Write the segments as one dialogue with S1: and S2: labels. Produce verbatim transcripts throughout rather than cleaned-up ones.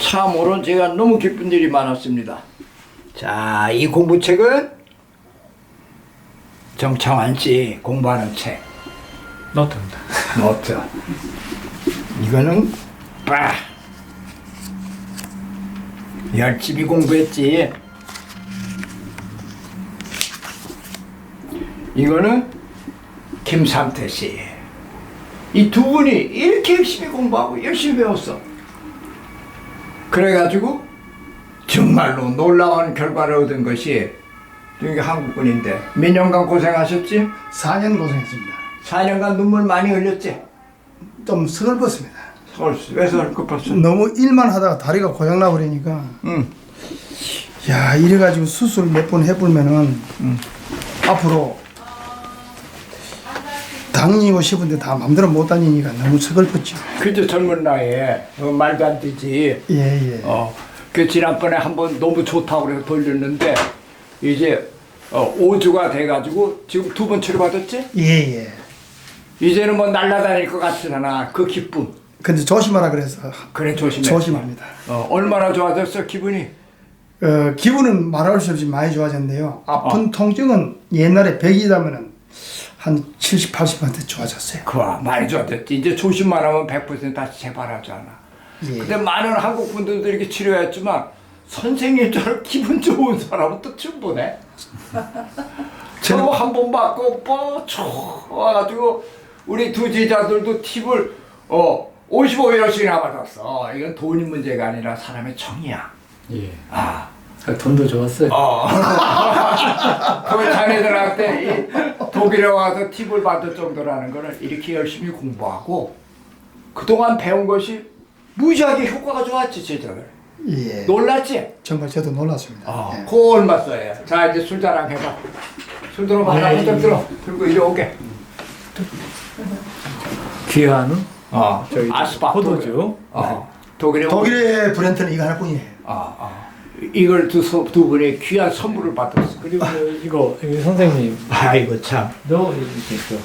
S1: 참으로 제가 너무 기쁜 일이 많았습니다. 자, 이 공부책은 정창환 씨 공부하는 책.
S2: 노트입니다.
S1: 노트. 이거는 빠 열심히 공부했지. 이거는 김삼태 씨. 이 두 분이 이렇게 열심히 공부하고 열심히 배웠어. 그래가지고 정말로 놀라운 결과를 얻은 것이 여기 한국분인데 몇 년간 고생하셨지?
S3: 사 년 고생했습니다.
S1: 사 년간 눈물 많이 흘렸지?
S3: 좀 서글펐습니다.
S1: 서울 왜 서글펐어?
S3: 너무 일만 하다가 다리가 고장나 버리니까
S1: 응.
S3: 야 이래가지고 수술 몇 번 해보면은
S1: 응.
S3: 앞으로 다니고 싶은데 다 마음대로 못 다니니까 너무 서글펐죠.
S1: 그저 젊은 나이에 어, 말도 안 되지.
S3: 예예.
S1: 어, 그 지난번에 한번 너무 좋다고 그래서 돌렸는데 이제 어, 오 주가 돼가지고 지금 두 번 치료받았지?
S3: 예예.
S1: 이제는 뭐 날아다닐 것 같으나 그 기쁨.
S3: 근데 조심하라 그래서
S1: 그래 조심해.
S3: 조심합니다.
S1: 어, 얼마나 좋아졌어 기분이?
S3: 어, 기분은 말할 수 없이 많이 좋아졌는데요. 아픈
S1: 어.
S3: 통증은 옛날에 백이라면은 한 칠십, 팔십 퍼센트 좋아졌어요.
S1: 그와 많이 좋아졌지. 이제 조심만 하면 백 퍼센트 다시 재발하잖아.
S3: 예.
S1: 근데 많은 한국 분들도 이렇게 치료했지만 선생님처럼 기분 좋은 사람은 또 처음 보네. 저거 한 번 받고 뭐 좋아가지고 우리 두 제자들도 팁을 어 오십오 일씩이나 받았어. 이건 돈이 문제가 아니라 사람의 정이야.
S2: 예.
S1: 아.
S2: 돈도 좋았어요.
S1: 어. 그 자네들한테 이 독일에 와서 팁을 받을 정도라는 거는 이렇게 열심히 공부하고 그동안 배운 것이 무지하게 효과가 좋았지 제자들.
S3: 예.
S1: 놀랐지?
S3: 정말 저도 놀랐습니다.
S1: 어.
S3: 예.
S1: 그거 얼마 써야 해? 자 이제 술 자랑 해봐. 술 들어봐.
S2: 네.
S1: 한잔 들어. 들고 이리 오게.
S2: 귀한
S1: 어.
S2: 저희
S1: 아스파
S2: 포도주.
S1: 어. 독일에
S3: 독일의 브랜드는 이거 하나뿐이에요.
S1: 어, 어. 이걸 두, 소- 두 분의 귀한 선물을 받았어.
S2: 그리고 이거, 이거 선생님
S1: 아이고 참.
S2: 너 이렇게 또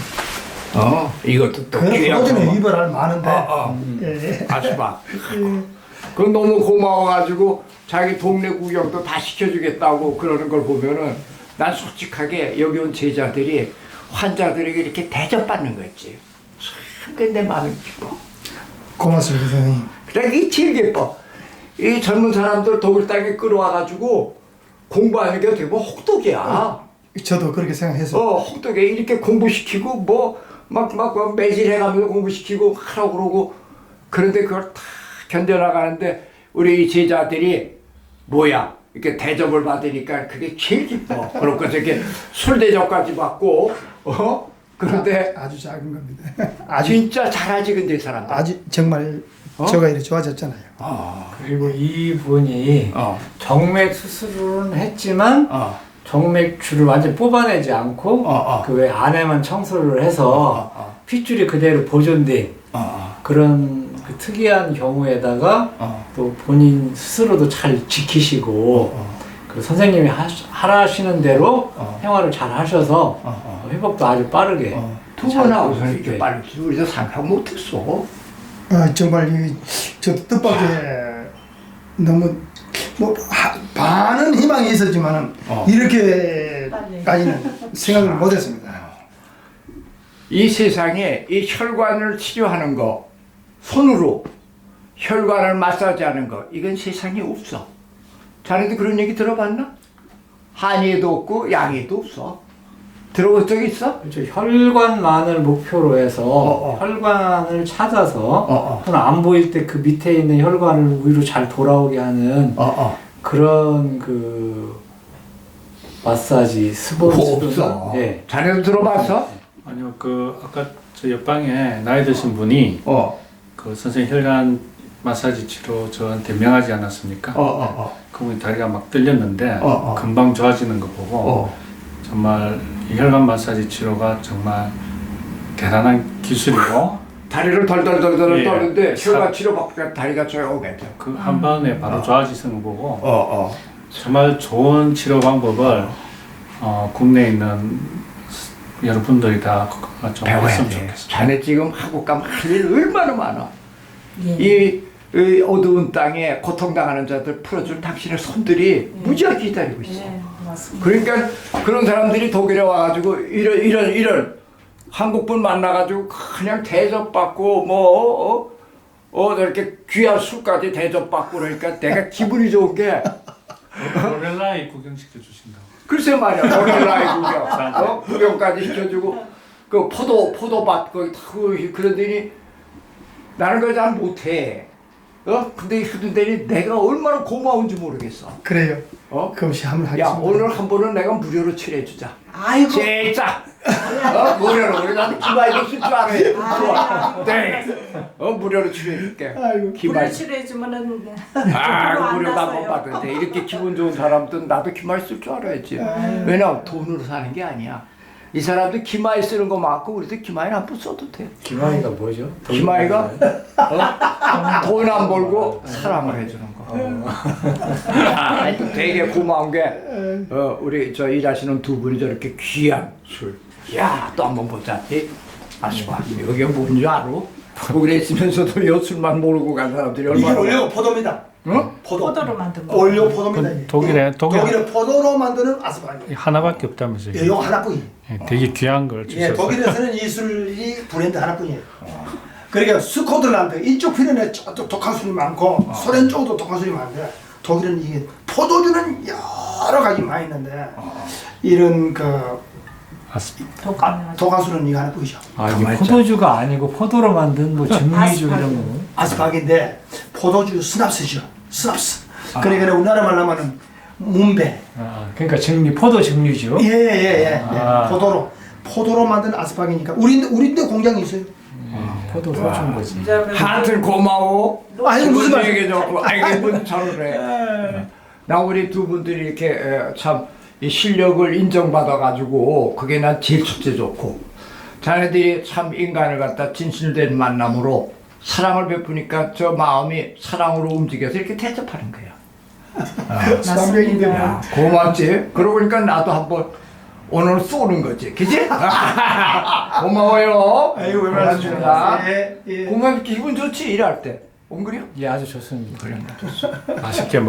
S1: 어. 이것도 또
S3: 그런
S1: 귀한
S3: 포도주는
S1: 선물.
S3: 이별할 많은데.
S1: 어, 어.
S3: 예.
S1: 아스파. 그 너무 고마워가지고 자기 동네 구경도 다 시켜주겠다고 그러는 걸 보면은 난 솔직하게 여기 온 제자들이 환자들에게 이렇게 대접받는 거 있지. 참, 그게 내 마음이 기뻐.
S3: 고맙습니다, 선생님.
S1: 그래, 이게 제일 기뻐. 이 젊은 사람들 독일 땅에 끌어와가지고 공부하는 게 어떻게 보면 혹독이야.
S3: 저도 그렇게 생각해서.
S1: 어, 혹독해. 이렇게 공부시키고 뭐 막 막 매질해가면서 공부시키고 하라고 그러고 그런데 그걸 다 견뎌나가는데 우리 이 제자들이 뭐야 이렇게 대접을 받으니까 그게 제일 기뻐. 그렇고 저렇게 술 대접까지 받고 어 그런데
S3: 아, 아주 작은 겁니다. 아주
S1: 진짜 잘하지 근데 이 사람들.
S3: 아주 정말
S1: 어?
S3: 저가 이렇게 좋아졌잖아요.
S1: 어,
S2: 그리고 이분이
S1: 어,
S2: 정맥 수술은 했지만
S1: 어,
S2: 정맥줄을 완전 뽑아내지 않고
S1: 어, 어.
S2: 그 외 안에만 청소를 해서
S1: 어, 어.
S2: 핏줄이 그대로 보존된
S1: 어,
S2: 그런 그 특이한 경우에다가
S1: 어,
S2: 또 본인 스스로도 잘 지키시고
S1: 어.
S2: 그 선생님이 하, 하라시는 대로
S1: 어.
S2: 생활을 잘 하셔서
S1: 어, 어.
S2: 회복도 아주 빠르게
S1: 어. 두
S2: 잘
S1: 번 하고서
S2: 되고
S1: 이렇게
S2: 네.
S1: 빨리 우리도 생각 못했어.
S3: 아, 정말 이, 저 뜻밖의 너무 뭐 하, 반은 희망이 있었지만은
S1: 어.
S3: 이렇게까지는 생각을 못했습니다.
S1: 이 세상에 이 혈관을 치료하는 거, 손으로 혈관을 마사지하는 거, 이건 세상에 없어. 자네도 그런 얘기 들어봤나? 한의에도 없고 양의도 없어. 들어본 적 있어?
S2: 그렇죠. 혈관만을 목표로 해서
S1: 어, 어.
S2: 혈관을 찾아서
S1: 어.
S2: 또는 안 보일 때 그 밑에 있는 혈관을 위로 잘 돌아오게 하는
S1: 어, 어.
S2: 그런 그 마사지
S1: 그거
S2: 스포츠도
S1: 없어.
S2: 예.
S1: 자네도 들어봤어?
S4: 아니요, 그 아까 저 옆방에 나이 드신 분이
S1: 어,
S4: 그 선생님 혈관 마사지 치료 저한테 명하지 않았습니까?
S1: 어, 어, 어.
S4: 그분이 다리가 막 떨렸는데
S1: 어, 어.
S4: 금방 좋아지는 거 보고
S1: 어.
S4: 정말 이 혈관 마사지 치료가 정말 대단한 기술이고
S1: 다리를 덜덜덜덜
S4: 예.
S1: 떠는데
S4: 사-
S1: 혈관 치료 받고 다리가 조용해져.
S4: 그 한 번에 바로
S1: 어.
S4: 좋아지는 거 보고
S1: 어, 어.
S4: 정말 좋은 치료 방법을 어, 국내에 있는 여러분들이 다 좀
S1: 배워야
S4: 했으면
S1: 돼.
S4: 좋겠어요.
S1: 자네 지금 한국 가면 할 일 얼마나 많아.
S5: 예.
S1: 이 이 어두운 땅에 고통당하는 자들 풀어줄 당신의 손들이 무지하게 기다리고 있어.
S5: 네, 맞습니다.
S1: 그러니까 그런 사람들이 독일에 와가지고 이런 이런 이런 한국분 만나가지고 그냥 대접받고 뭐 어, 어 이렇게 귀한 술까지 대접받고 그러니까 내가 기분이 좋은 게
S4: 로렐라이 구경시켜 주신다고.
S1: 글쎄 말이야 오늘라이 구경 어? 구경까지 시켜주고 그 포도 포도밭 거기 다 그- 그러더니 나는 그걸 잘 못해. 어 근데 그러더니 내가 얼마나 고마운지 모르겠어.
S3: 그래요.
S1: 어?
S3: 그것이 한번
S1: 야
S3: 하겠습니다.
S1: 오늘 한 번은 내가 무료로 칠해주자.
S5: 아이고.
S1: 진짜. 어 무료로 우리 나도 기마이도 쓸 줄 알아요. 좋아. 네. 어 무료로 칠해줄게.
S3: 아이고.
S1: 기마이.
S5: 불을 해주면은
S1: 아 무료도 한번 받을 때 이렇게 기분 좋은 사람들은 나도 기마이 쓸 줄 알아야지. 왜냐면 돈으로 사는 게 아니야. 이 사람들 기마이 쓰는 거 많고 우리도 기마이 한번 써도 돼.
S2: 기마이가 뭐죠?
S1: 기마이가 어? 돈 안 벌고 사랑을 해주는 거. 아, 하여튼 되게 고마운 게 어, 우리 저 일하시는 두 분이 저렇게 귀한 술. 야, 또 한번 보자. 이 아시바 여기가 뭔지 알아? 독일에 있으면서도 요 술만 모르고 간 사람들이
S3: 이게
S1: 얼마나
S3: 원래 포도입니다.
S1: 응?
S3: 포도.
S5: 포도로 만든 거.
S3: 원료 포도입니다. 이게.
S4: 독일에 독일
S3: 독일은 포도로 만드는 아스파기.
S4: 하나밖에 없다면서요.
S3: 예, 요 하나뿐이에요.
S4: 예, 되게 귀한 걸
S3: 예,
S4: 주셨어요.
S3: 독일에서는 이 술이 브랜드 하나뿐이에요. 그러니까 스코틀란드 이쪽 필연에 저쪽 독한 술이 많고 소련 쪽도 독한 술이 많은데 독일은 이게 포도주는 여러 가지 많이 있는데 이런 그
S4: 아스-
S5: 독감이
S3: 독한 술은 이거 하나뿐이죠.
S2: 아 이게 포도주가 아니고 포도로 만든 뭐 증류주 이런 거.
S3: 아스파기인데 포도주 스납스죠. 스납스. 그러니까 우리나라 말로 하면은 문배.
S2: 아 그러니까 증류 포도 증류주.
S3: 예예예. 예,
S2: 아.
S3: 예. 포도로 포도로 만든 아스파기니까 우리 우리데 공장이 있어요.
S2: 아, 포도 소주인 거지.
S1: 하여튼 고마워.
S3: 아니 무슨 말?
S1: 얘기 좋고 아이고 뭔 저러래. 나 우리 두 분들이 이렇게 에, 참 이 실력을 인정받아 가지고 그게 난 제일 첫째 좋고 자네들이 참 인간을 갖다 진실된 만남으로 사랑을 베푸니까 저 마음이 사랑으로 움직여서 이렇게 대접하는 거야.
S3: 수감병인데 뭐.
S1: 야, 고맙지. 그러고 보니까 나도 한번 오늘 쏘는 거지, 그지? 고마워요.
S3: 아이고 왜
S1: 고맙습니다.
S3: 말씀하십니까? 예, 예.
S1: 고맙 기분 좋지 일할 때. 옹그려?
S2: 예 아주 좋습니다.
S1: 그래.
S4: 맛있게 먹.